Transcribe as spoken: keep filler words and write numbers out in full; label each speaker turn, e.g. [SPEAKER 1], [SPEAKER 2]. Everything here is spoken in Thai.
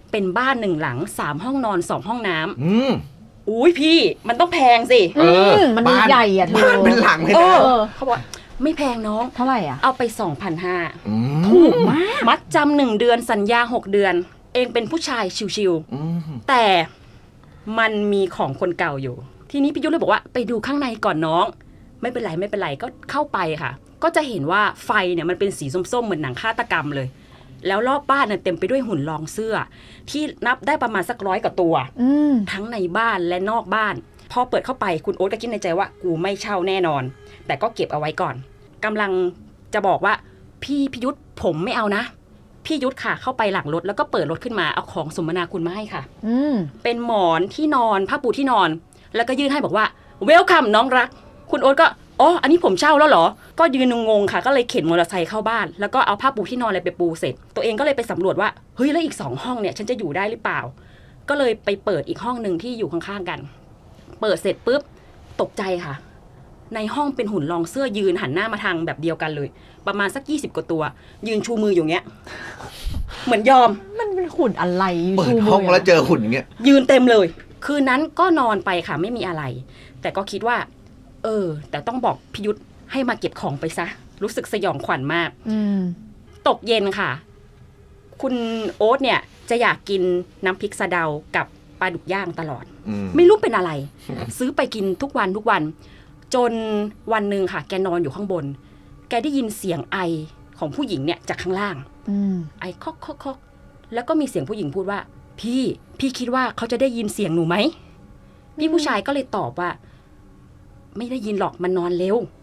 [SPEAKER 1] เป็นบ้านหนึ่งหลังสามห้องนอนสองห้องน้ำ
[SPEAKER 2] อืม
[SPEAKER 1] อุ้ยพี่มันต้องแพงสิ
[SPEAKER 3] เออมันใหญ่อ่ะเธอ
[SPEAKER 2] บ้านเป็นหลังเลยนะ
[SPEAKER 1] เขาบอกไม่แพงน้อง
[SPEAKER 3] เท่าไหร่อ่ะ
[SPEAKER 1] เอาไป สองพันห้าร้อย
[SPEAKER 3] ถูกมาก
[SPEAKER 1] มัดจำหนึ่งเดือนสัญญาหกเดือนเองเป็นผู้ชายชิวๆแต่มันมีของคนเก่าอยู่ทีนี้พี่ยุทธเลยบอกว่าไปดูข้างในก่อนน้องไม่เป็นไรไม่เป็นไรก็เข้าไปค่ะก็จะเห็นว่าไฟเนี่ยมันเป็นสีส้มๆเหมือนหนังฆาตกรรมเลยแล้วรอบบ้านเนี่ยเต็มไปด้วยหุ่นรองเสื้อที่นับได้ประมาณสักร้อยกว่าตัวทั้งในบ้านและนอกบ้านพอเปิดเข้าไปคุณโอ๊ตก็คิดในใจว่ากูไม่เช่าแน่นอนแต่ก็เก็บเอาไว้ก่อนกำลังจะบอกว่าพี่พิยุทธผมไม่เอานะพี่ยุทธค่ะเข้าไปหลังรถแล้วก็เปิดรถขึ้นมาเอาของสมนาคุณมาให้ค่ะเป็นหมอนที่นอนผ้าปูที่นอนแล้วก็ยื่นให้บอกว่าเวลคัมน้องรักคุณโอ๊ตก็อ๋ออันนี้ผมเช่าแล้วเหรอก็ยืนงงๆค่ะก็เลยเข็นมอเตอร์ไซค์เข้าบ้านแล้วก็เอาผ้าปูที่นอนอะไรไปปูเสร็จตัวเองก็เลยไปสำรวจว่าเฮ้ยแล้วอีกสองห้องเนี่ยฉันจะอยู่ได้หรือเปล่าก็เลยไปเปิดอีกห้องนึงที่อยู่ข้างๆกันเปิดเสร็จปุ๊บตกใจค่ะในห้องเป็นหุ่นรองเสื้อยืนหันหน้ามาทางแบบเดียวกันเลยประมาณสักยี่สิบกว่าตัวยืนชูมืออยู่เงี้ยเหมือนยอม
[SPEAKER 3] มันเป็นหุ่นอะไร
[SPEAKER 2] เปิดห้องแล้วเจอหุ่นอย่างเงี้ย
[SPEAKER 1] ยืนเต็มเลยคืนนั้นก็นอนไปค่ะไม่มีอะไรแต่ก็คิดว่าเออแต่ต้องบอกพิยุทธให้มาเก็บของไปซะรู้สึกสยองขวัญมากตกเย็นค่ะคุณโอ๊ตเนี่ยจะอยากกินน้ำพริกสะเดากับปลาดุกย่างตลอดไม่รู้เป็นอะไร ซื้อไปกินทุกวันทุกวันจนวันหนึ่งค่ะแกนอนอยู่ข้างบนแกได้ยินเสียงไอของผู้หญิงเนี่ยจากข้างล่างไอคอกคอกคอกแล้วก็มีเสียงผู้หญิงพูดว่าพี่พี่คิดว่าเขาจะได้ยินเสียงหนูไหมพี่ผู้ชายก็เลยตอบว่าไม่ได้ยินหรอกมันนอนเร็ว